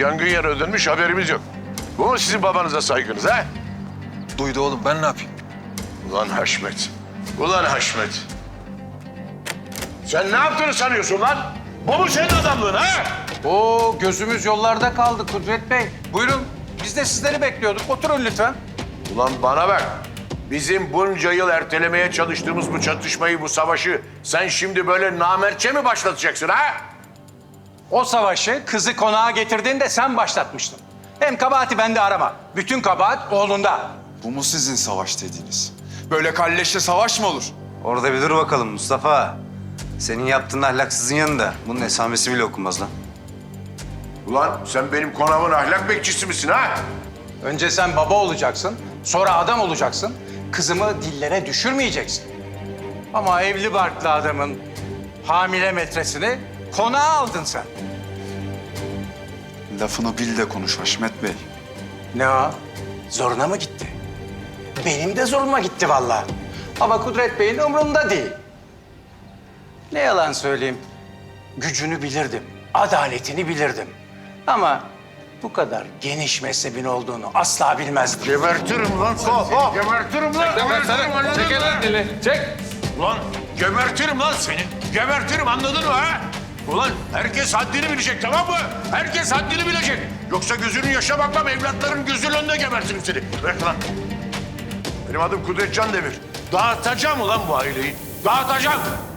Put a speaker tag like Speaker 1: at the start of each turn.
Speaker 1: yangın yere dönmüş, haberimiz yok. Bu mu sizin babanıza saygınız ha?
Speaker 2: Duydu oğlum, ben ne yapayım?
Speaker 1: Ulan Haşmet, ulan Haşmet. Sen ne yaptığını sanıyorsun lan? Bu mu senin adamlığın ha?
Speaker 3: Oo, gözümüz yollarda kaldı Kudret Bey. Buyurun, biz de sizleri bekliyorduk. Oturun lütfen.
Speaker 1: Ulan bana bak. Bizim bunca yıl ertelemeye çalıştığımız bu çatışmayı, bu savaşı sen şimdi böyle namertçe mi başlatacaksın ha?
Speaker 3: O savaşı kızı konağa getirdiğinde sen başlatmıştın. Hem kabahati bende arama. Bütün kabahat oğlunda.
Speaker 2: Bu mu sizin savaş dediğiniz? Böyle kalleşle savaş mı olur?
Speaker 4: Orada bir dur bakalım Mustafa. Senin yaptığın ahlaksızın yanında bunun esamesi bile okunmaz lan.
Speaker 1: Ulan sen benim konağımın ahlak bekçisi misin ha?
Speaker 3: Önce sen baba olacaksın, sonra adam olacaksın. Kızımı dillere düşürmeyeceksin. Ama evli barklı adamın hamile metresini konağa aldın sen.
Speaker 2: Lafını bil de konuş Haşmet Bey.
Speaker 3: Ne o? Zoruna mı gitti? Benim de zoruma gitti vallahi. Ama Kudret Bey'in umrunda değil. Ne yalan söyleyeyim. Gücünü bilirdim, adaletini bilirdim. Ama bu kadar geniş mezhebin olduğunu asla bilmezdim.
Speaker 1: Gebertirim lan seni. Gebertirim lan. Gebertirim, anladın
Speaker 3: Çek
Speaker 1: mı?
Speaker 3: elini dili, çek.
Speaker 1: Ulan gebertirim lan seni. Gebertirim, anladın mı ha? Ulan herkes haddini bilecek, tamam mı? Herkes haddini bilecek. Yoksa gözünün yaşa bakmam, evlatların gözünün önünde gebertirim seni. Bırak lan. Benim adım Kudret Can Demir. Dağıtacağım ulan bu aileyi. Dağıtacağım.